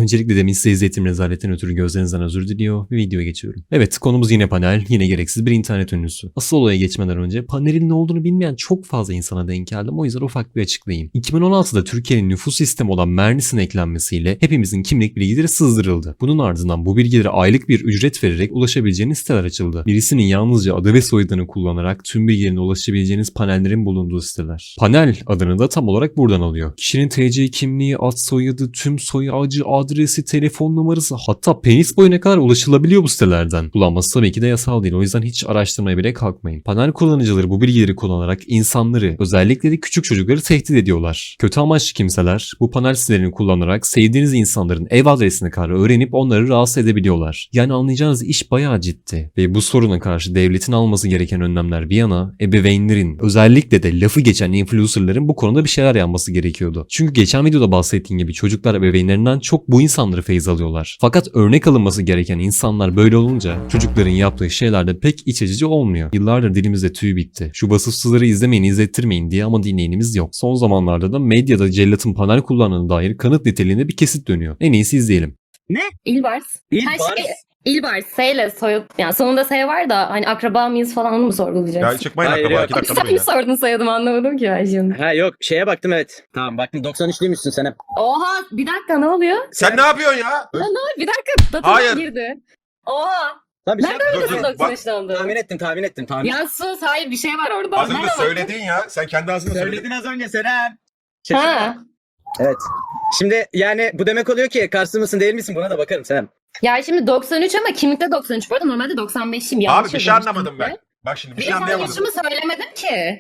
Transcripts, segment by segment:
Öncelikle demin size izlettiğim rezaletten ötürü gözlerinizden özür diliyor ve videoya geçiyorum. Evet, konumuz yine panel, yine gereksiz bir internet ünlüsü. Asıl olaya geçmeden önce panelin ne olduğunu bilmeyen çok fazla insana denk geldim, o yüzden ufak bir açıklayayım. 2016'da Türkiye'nin nüfus sistemi olan Mernis'in eklenmesiyle hepimizin kimlik bilgileri sızdırıldı. Bunun ardından bu bilgilere aylık bir ücret vererek ulaşabileceğiniz siteler açıldı. Birisinin yalnızca adı ve soyadını kullanarak tüm bilgilerine ulaşabileceğiniz panellerin bulunduğu siteler. Panel adını da tam olarak buradan alıyor. Kişinin TC kimliği, ad soyadı, tüm soy ağacı, adresi, telefon numarası, hatta penis boyuna kadar ulaşılabiliyor bu sitelerden. Kullanması tabii ki de yasal değil, o yüzden hiç araştırmaya bile kalkmayın. Panel kullanıcıları bu bilgileri kullanarak insanları, özellikle de küçük çocukları tehdit ediyorlar. Kötü amaçlı kimseler bu panel sitelerini kullanarak sevdiğiniz insanların ev adresine kadar öğrenip onları rahatsız edebiliyorlar. Yani anlayacağınız iş bayağı ciddi ve bu soruna karşı devletin alması gereken önlemler bir yana, ebeveynlerin, özellikle de lafı geçen influencerların bu konuda bir şeyler yapması gerekiyordu. Çünkü geçen videoda bahsettiğim gibi çocuklar ebeveynlerinden çok bu insanları feyz alıyorlar. Fakat örnek alınması gereken insanlar böyle olunca çocukların yaptığı şeyler de pek iç açıcı olmuyor. Yıllardır dilimizde tüy bitti. Şu vasıfsızları izlemeyin, izlettirmeyin diye ama dinleyenimiz yok. Son zamanlarda da medyada cellatın panel kullandığına dair kanıt niteliğinde bir kesit dönüyor. En iyisi izleyelim. Ne? İlbars. İlbars? Her şey İlbars. S ile soyad. Yani sonunda S var da hani akraba mıyız falan onu mu sorgulayacaksın? Ya çıkmayın Hayır, akraba. yok. 2 dakika Sen durun mi ya. sordun soyadımı anlamadım ki ben şimdi. Ha yok şeye baktım evet. Tamam baktım 93'lüymüşsün sen hep. Oha bir dakika ne oluyor? Sen ne yapıyorsun ya? Bir dakika datadan Hayır. girdi. Oha. Lan bir şey Nereden Dur, biliyorsun dur, bak. 93'te olduğunu? tahmin ettim. Ya sus hayır bir şey var orada. Az önce Nereden söyledin ya. Sen kendi ağzınla söyledin. Söyledin az önce Serap. baktın? Ha. Evet. Şimdi yani bu demek oluyor ki Karslı mısın değil misin buna da bakarım Serap. Ya şimdi 93 ama kimlikte 93 bu arada normalde 95'im. Abi bir şey anlamadım ben. Bak şimdi bir şey Ben anlayamadım. yaşımı söylemedim ki.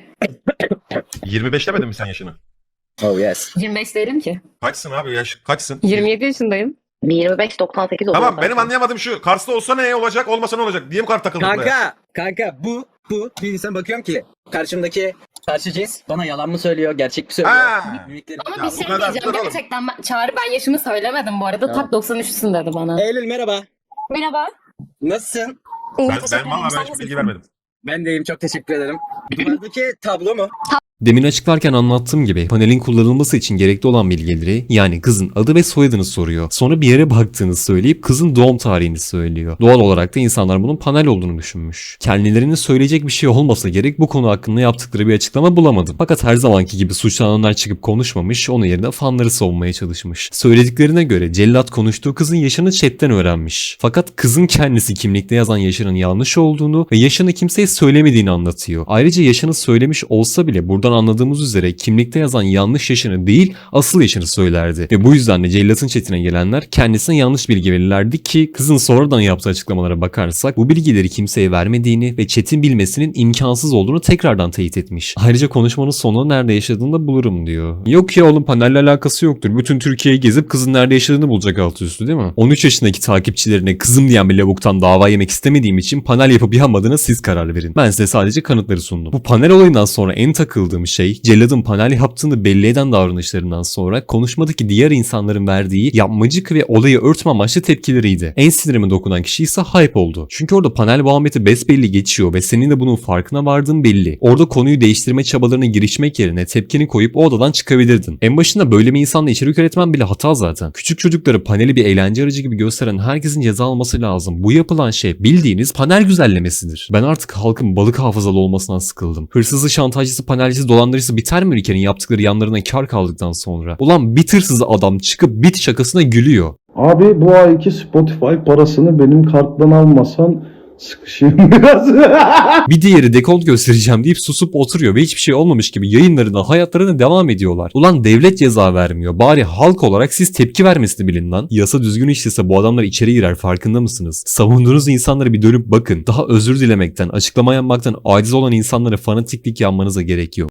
25 demedin mi sen yaşını? Oh yes. 25 değilim ki. Kaçsın abi yaş? Kaçsın? 27 yaşındayım. 25-98 oluyor. Tamam zaten. benim anlayamadığım şu. Kars'ta olsa ne olacak, olmasa ne olacak? Diye mi kar takıldın buraya? Kanka bu bir insan bakıyorum ki karşı cins bana yalan mı söylüyor gerçek mi söylüyor? Ha. Mimikleri- Ama Ya bir bu şey kadar, diyeceğim dur oğlum. gerçekten Çağrı ben yaşımı söylemedim bu arada. Tamam. Tak 93'sün dedi bana. Eylül merhaba. Merhaba. Nasılsın? Ben valla ben hiç bilgi vermedim. Ben de iyiyim çok teşekkür ederim. Duvardaki tablo mu? Demin açıklarken anlattığım gibi panelin kullanılması için gerekli olan bilgileri, yani kızın adı ve soyadını soruyor. Sonra bir yere baktığını söyleyip kızın doğum tarihini söylüyor. Doğal olarak da insanlar bunun panel olduğunu düşünmüş. Kendilerine söyleyecek bir şey olmasa gerek bu konu hakkında yaptıkları bir açıklama bulamadım. Fakat her zamanki gibi suçlananlar çıkıp konuşmamış, onun yerine fanları savunmaya çalışmış. Söylediklerine göre cellat konuştuğu kızın yaşını chatten öğrenmiş. Fakat kızın kendisi kimlikte yazan yaşının yanlış olduğunu ve yaşını kimseye söylemediğini anlatıyor. Ayrıca yaşını söylemiş olsa bile buradan anladığımız üzere kimlikte yazan yanlış yaşını değil asıl yaşını söylerdi. Ve bu yüzden de cellatın chatine gelenler kendisine yanlış bilgi verirlerdi ki kızın sonradan yaptığı açıklamalara bakarsak bu bilgileri kimseye vermediğini ve chat'in bilmesinin imkansız olduğunu tekrardan teyit etmiş. Ayrıca konuşmanın sonunda nerede yaşadığını da bulurum diyor. Yok ya oğlum panelle alakası yoktur. Bütün Türkiye'yi gezip kızın nerede yaşadığını bulacak altı üstü değil mi? 13 yaşındaki takipçilerine kızım diyen bir lavuktan dava yemek istemediğim için panel yapıp yapmadığına siz karar verin. Ben size sadece kanıtları sundum. Bu panel olayından sonra en takıldığım şey celladın panel yaptığını belli eden davranışlarından sonra konuşmadaki diğer insanların verdiği yapmacık ve olayı örtme amaçlı tepkileriydi. En sinirime dokunan kişi ise hype oldu. Çünkü orada panel muhabbeti besbelli geçiyor ve senin de bunun farkına vardığın belli. Orada konuyu değiştirme çabalarına girişmek yerine tepkini koyup o odadan çıkabilirdin. En başında böyle bir insanla içerik üretmen bile hata zaten. Küçük çocukları paneli bir eğlence aracı gibi gösteren herkesin ceza alması lazım. Bu yapılan şey bildiğiniz panel güzellemesidir. Ben artık halkın balık hafızalı olmasından sıkıldım. Hırsızı, şantajcısı, panelcisi, dolandırıcısı biter mi ülkenin yaptıkları yanlarına kar kaldıktan sonra? Ulan bir hırsız adam çıkıp bit şakasına gülüyor. Abi bu ayki Spotify parasını benim karttan almasan sıkışayım biraz. Bir diğeri dekolt göstereceğim deyip susup oturuyor ve hiçbir şey olmamış gibi yayınlarına, hayatlarına devam ediyorlar. Ulan devlet ceza vermiyor. Bari halk olarak siz tepki vermesini bilin lan. Yasa düzgün işlese bu adamlar içeri girer, farkında mısınız? Savunduğunuz insanlara bir dönüp bakın. Daha özür dilemekten, açıklama yapmaktan aciz olan insanlara fanatiklik yanmanıza gerek yok.